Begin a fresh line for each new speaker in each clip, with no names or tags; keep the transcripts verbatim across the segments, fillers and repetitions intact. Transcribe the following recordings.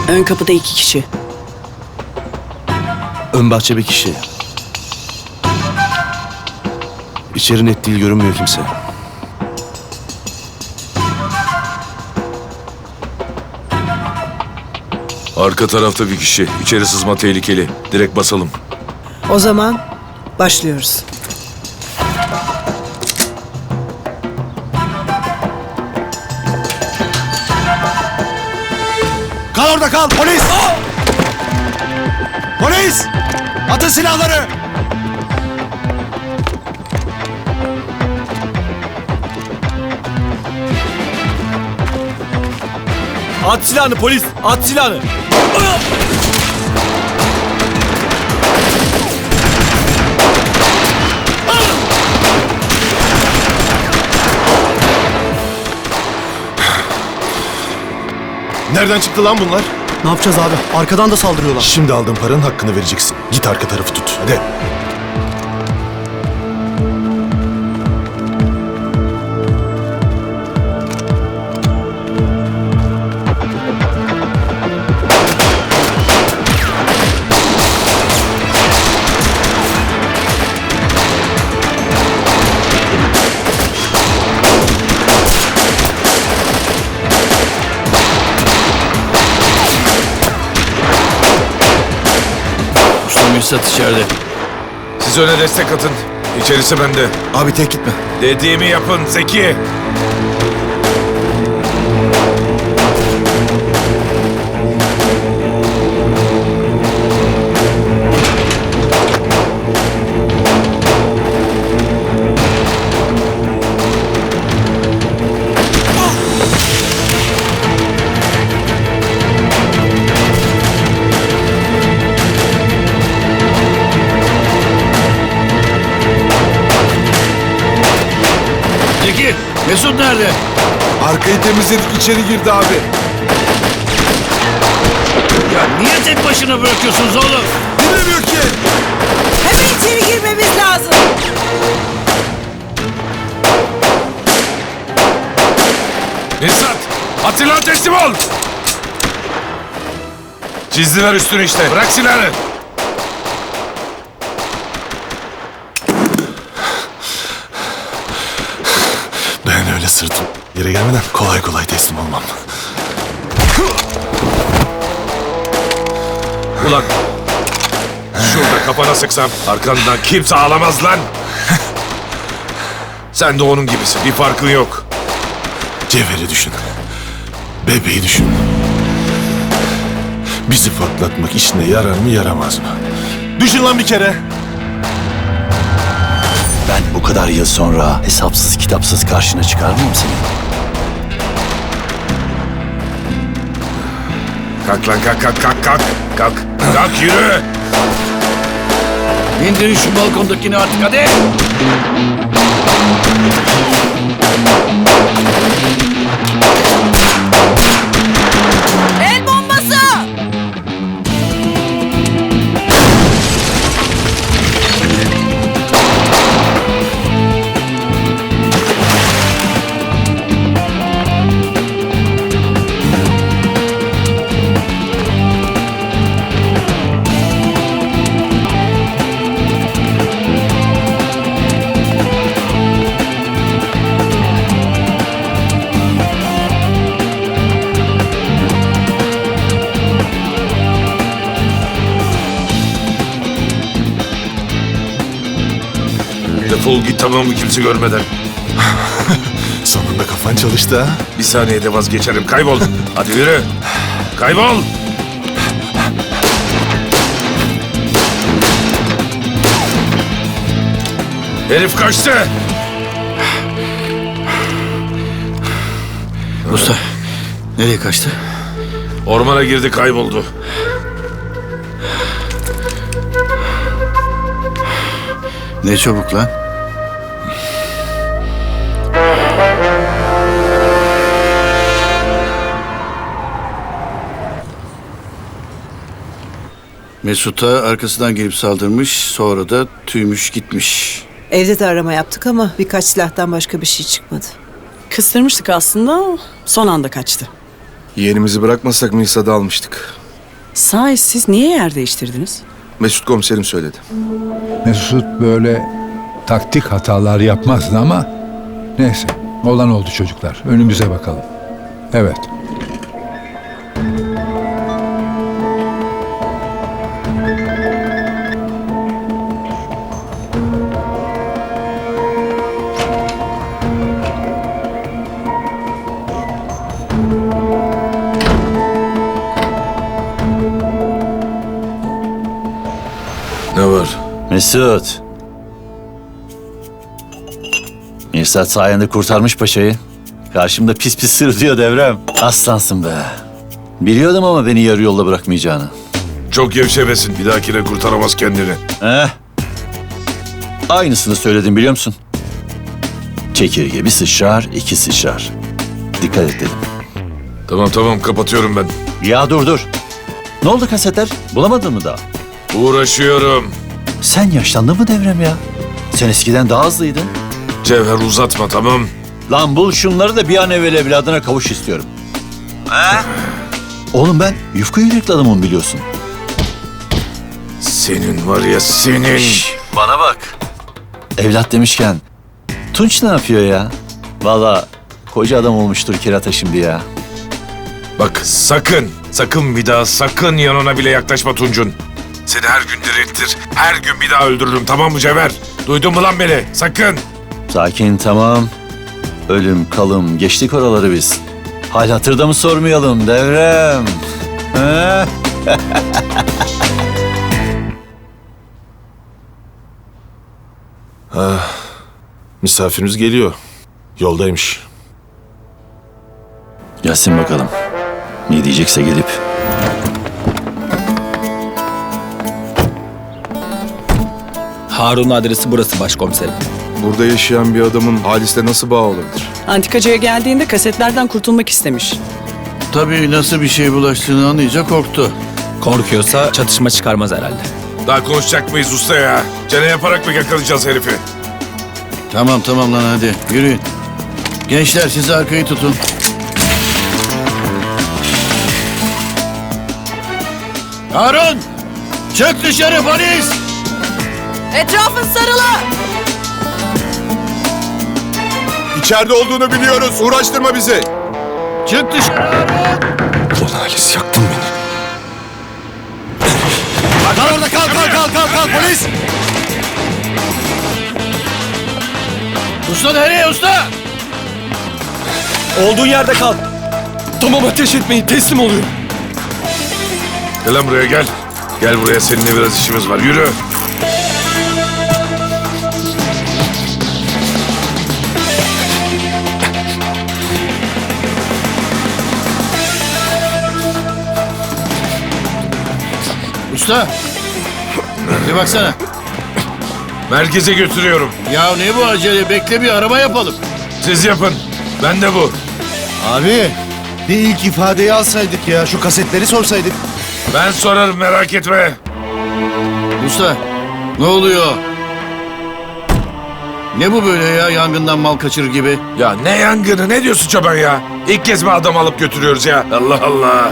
Ön kapıda iki kişi.
Ön bahçe bir kişi. İçeri net değil, görünmüyor kimse.
Arka tarafta bir kişi. İçeri sızma tehlikeli. Direkt basalım.
O zaman başlıyoruz.
Kal orada kal! Polis! Polis! Atın silahları!
At silahını polis! At silahını!
Nereden çıktı lan bunlar?
Ne yapacağız abi? Arkadan da saldırıyorlar.
Şimdi aldığın paranın hakkını vereceksin. Git arka tarafı tut. Hadi.
Mürsat içeride.
Siz öne destek atın. İçerisi bende.
Abi tek gitme.
Dediğimi yapın Zeki.
Zeki, Mesut nerede?
Arkayı temizledik, içeri girdi abi.
Ya niye tek başına bırakıyorsunuz oğlum?
Dinlemiyor ki.
Hemen içeri girmemiz lazım.
Esat, Atilla teslim ol. Çizdiler üstünü işte. Bırak silahını.
Ben öyle sırtım yere gelmeden kolay kolay teslim olmam.
Ulan. Şurada kafana sıksam arkandan kimse ağlamaz lan. Sen de onun gibisin. Bir farkın yok.
Cevher'i düşün. Bebeği düşün. Bizi patlatmak işine yarar mı yaramaz mı? Düşün lan bir kere.
Ben bu kadar yıl sonra hesapsız kitapsız karşına çıkar mıyım senin?
Kalk lan kalk kalk kalk kalk. Kalk. Kalk yürü.
İndirin şu balkondakini artık hadi.
El bombası!
Defol git tamam mı kimse görmeden.
Sonunda kafan çalıştı ha.
Bir saniyede vazgeçerim. Kaybol. Hadi yürü. Kaybol. Herif kaçtı.
Usta, nereye kaçtı?
Ormana girdi kayboldu.
Ne çabuk lan. Mesut'a arkasından gelip saldırmış, sonra da tüymüş gitmiş.
Evde de arama yaptık ama birkaç silahtan başka bir şey çıkmadı.
Kıstırmıştık aslında, son anda kaçtı.
Yeğenimizi bırakmasak Nisa'da almıştık.
Sahi siz niye yer değiştirdiniz?
Mesut komiserim söyledi.
Mesut böyle taktik hatalar yapmazdı ama neyse olan oldu çocuklar. Önümüze bakalım. Evet.
Ne var?
Mesut. Mirsat sayende kurtarmış paşayı. Karşımda pis pis sırıtıyor Devrem. Aslansın be. Biliyordum ama beni yarı yolda bırakmayacağını.
Çok gevşemesin. Bir dahakine kurtaramaz kendini.
Eh. Aynısını söyledim biliyor musun? Çekirge bir sıçrar, iki sıçrar. Dikkat et dedim.
Tamam tamam kapatıyorum ben.
Ya dur dur. Ne oldu kasetler? Bulamadın mı daha?
Uğraşıyorum.
Sen yaşlandın mı Devrem ya? Sen eskiden daha hızlıydın.
Cevher uzatma tamam.
Lan bul şunları da bir an evvel evladına kavuş istiyorum. He? Oğlum ben yufka yürekli adamım biliyorsun.
Senin var ya senin.
Bana bak. Evlat demişken Tunç ne yapıyor ya? Vallahi koca adam olmuştur kirata şimdi ya.
Bak sakın, sakın bir daha sakın yanına bile yaklaşma Tuncun. Seni her gün diriltir, her gün bir daha öldürürüm tamam mı Cevher? Duydun mu lan beni? Sakın.
Sakin tamam. Ölüm kalım geçtik oraları biz. Hal hatırda mı sormayalım Devrem? He?
Misafirimiz geliyor. Yoldaymış.
Gelsin bakalım. Ne diyecekse gelip.
Harun'un adresi burası başkomiserim.
Burada yaşayan bir adamın Halis'le nasıl bağ olabilir?
Antikacıya geldiğinde kasetlerden kurtulmak istemiş.
Tabii nasıl bir şey bulaştığını anlayınca korktu.
Korkuyorsa çatışma çıkarmaz herhalde.
Daha konuşacak mıyız usta ya? Çene yaparak mı yakalayacağız herifi?
Tamam tamam lan hadi yürüyün. Gençler siz arkayı tutun. Harun! Çık dışarı polis!
Etrafın sarılı!
İçeride olduğunu biliyoruz. Uğraştırma bizi.
Çık dışarı Harun!
Ulan Halis yaktın beni.
Kal orada kal kal kal kal kal polis! Usta nereye usta?
Olduğun yerde kal. Tamam ateş etmeyin teslim oluyor.
Gel lan buraya gel. Gel buraya seninle biraz işimiz var. Yürü.
Usta! Bir baksana.
Merkeze götürüyorum.
Ya ne bu acele? Bekle bir araba yapalım.
Siz yapın. Ben de bu.
Abi bir ilk ifadeyi alsaydık ya. Şu kasetleri sorsaydık.
Ben sorarım merak etme.
Usta ne oluyor? Ne bu böyle ya yangından mal kaçırır gibi?
Ya ne yangını ne diyorsun çoban ya? İlk kez mi adam alıp götürüyoruz ya? Allah Allah.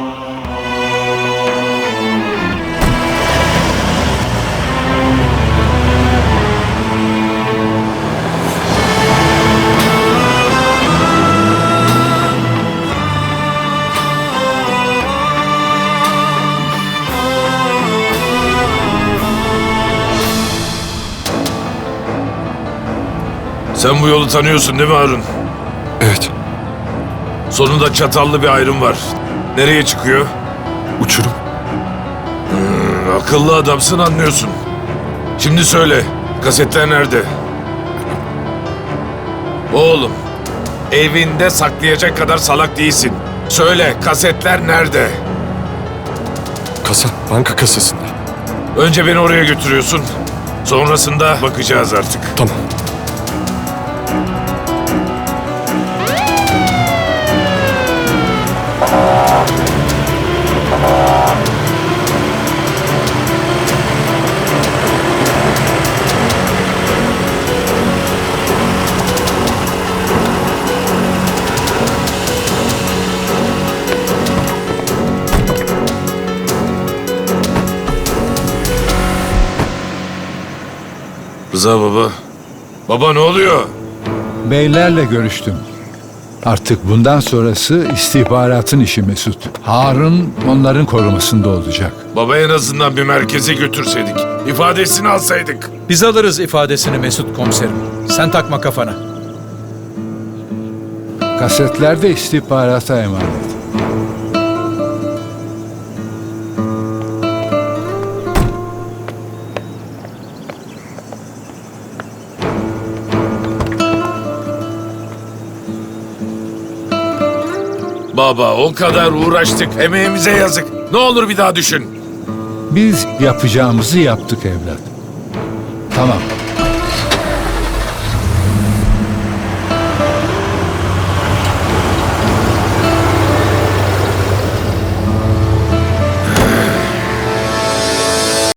Sen bu yolu tanıyorsun değil mi Harun?
Evet.
Sonunda çatallı bir ayrım var. Nereye çıkıyor?
Uçurum.
Hmm, akıllı adamsın anlıyorsun. Şimdi söyle, kasetler nerede? Oğlum, evinde saklayacak kadar salak değilsin. Söyle, kasetler nerede?
Kasa. Banka kasasında.
Önce beni oraya götürüyorsun. Sonrasında bakacağız artık.
Tamam.
Rıza baba. Baba ne oluyor?
Beylerle görüştüm. Artık bundan sonrası istihbaratın işi Mesut. Harun onların korumasında olacak.
Baba en azından bir merkeze götürseydik. İfadesini alsaydık.
Biz alırız ifadesini Mesut komiserim. Sen takma kafana.
Kasetler de istihbarata emanet.
Baba o kadar uğraştık. Emeğimize yazık. Ne olur bir daha düşün.
Biz yapacağımızı yaptık evlat. Tamam.